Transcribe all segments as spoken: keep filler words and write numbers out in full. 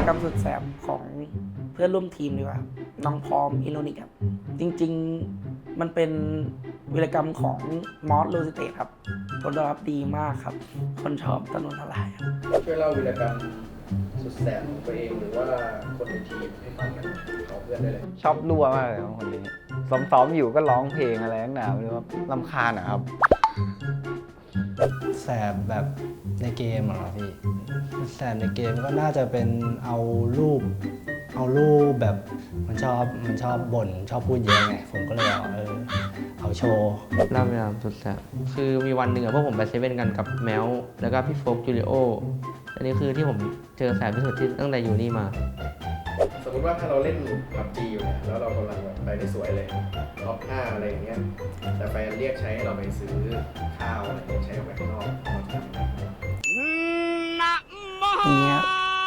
กรรมสุดแสบของเพื่อนร่วมทีมดีกว่าน้องพร้อมอิโรนิกครับจริงๆมันเป็นวีรกรรมของมอสโลซิเตครับผลตอบรับดีมากครับคนชอบถนนทลายครับช่วยเล่าวีรกรรมสุดแสบของตัวเองหรือว่าคนในทีมให้ฟังกันของเพื่อนได้เลยชอบรั่วมากเลยครับคนนี้ซ้อมๆอยู่ก็ร้องเพลงอะไรตั้งนานไม่รู้ว่ารำคาญอะครับแสบแบบในเกมเหรอพี่แสบในเกมก็น่าจะเป็นเอารูป เอารูปแบบมันชอบมันชอบบ่นชอบพูดเยอะไงผมก็เลยเอาเออเอาโชว์เล่าเวลาสุดแสบคือมีวันหนึ่งอะพวกผมไปเซเว่นกันกับแมวแล้วก็พี่โฟกจูเลโออันนี้คือที่ผมเจอแสบที่สุดที่ตั้งแต่อยู่นี่มาสมมติว่าถ้าเราเล่นพับจีอยู่เนี่ยแล้วเรากำลังแบบไปได้สวยเลยท็อปห้าอะไรอย่างเงี้ยแต่แฟนเรียกใช้ให้เราไปซื้อข้าวอะไรเงี้ยใช้ออกไปข้างนอกเราทำยังไงอย่างเงี้ย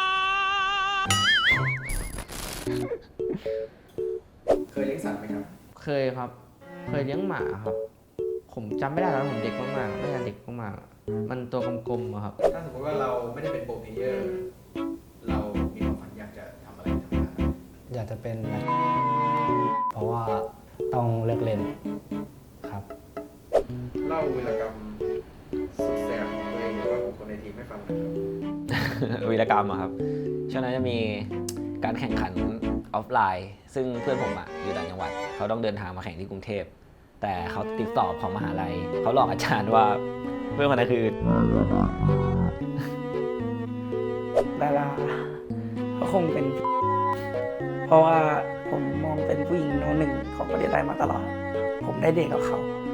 เคยเลี้ยงสัตว์ไหมครับเคยครับ เคยเลี้ยงหมาครับ ผมจำไม่ได้แล้วผมเด็กมากๆไม่ใช่เด็กมากๆมันตัวกลมๆอะครับถ้าสมมติว่าเราไม่ได้เป็นโปรเพลเยอร์เรามีความฝันอยากจะทำอะไรทำงานอะไรอยากจะเป็นนักเพราะว่าต้องเลิกเล่นครับเล่าวีรกรรมสุดแสบของตัวเองหรือว่าของคนในทีมให้ฟังหน่อยครับวีรกรรมอะครับช่วงนั้นจะมีการแข่งขันออฟไลน์ ซึ่งเพื่อนผมอะอยู่ต่างจังหวัดเขาต้องเดินทางมาแข่งที่กรุงเทพแต่เขาติดสอบของมหาลัยเขาหลอกอาจารย์ว่าเพื่อนคนนั้นคือดาราก็คงเป็น เพราะว่าผมมองเป็นผู้หญิงโนหนึ่งของประเทศไทยมาตลอด ผมได้เดทกับเขา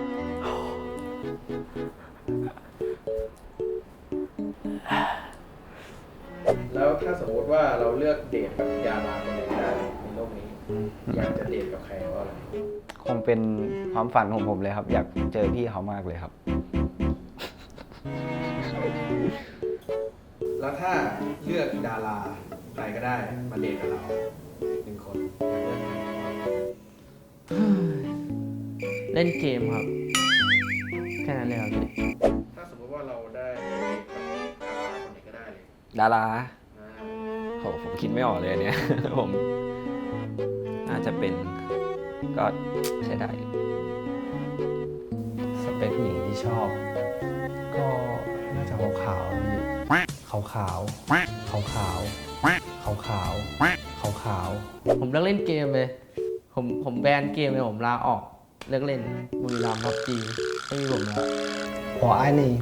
แล้วถ้าสมมติว่าเราเลือกเดทกับดาราคนไหนได้ในโลกนี้ อยากจะเดทกับใครเพราะอะไรคงเป็นความฝันของผมเลยครับ อยากเจอพี่เขามากเลยครับแล้วถ้าเลือกดาราใครก็ได้มาเดทกับเราหนึ่งคนอยากเลือกใครเล่นเกมครับ แค่นั้นเลยครับพี่ถ้าสมมติว่าเราได้เดทกับดาราคนไหนก็ได้เลยดาราอ่าโหผมคิดไม่ออกเลยอันเนี่ย ผมน่าจะเป็นก็ใช้ได้อยู่สเปคหญิงที่ชอบ ก็น่าจะขาวๆพี่ขาวขาวขาวขาวขาวขาวขาวขาวผมเลิกเล่นเกมเลย ผมผมแบนเกมเลยผมลาออกเลิกเล่นบุรีรัมย์พับจีไม่มีผมแล้วพอไอ้นี่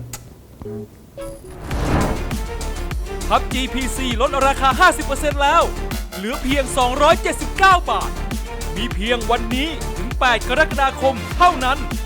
พับ จี พี ซี ลดราคา ห้าสิบเปอร์เซ็นต์ แล้ว เหลือเพียง สองร้อยเจ็ดสิบเก้า บาท มีเพียงวันนี้ถึง แปด กรกฎาคมเท่านั้น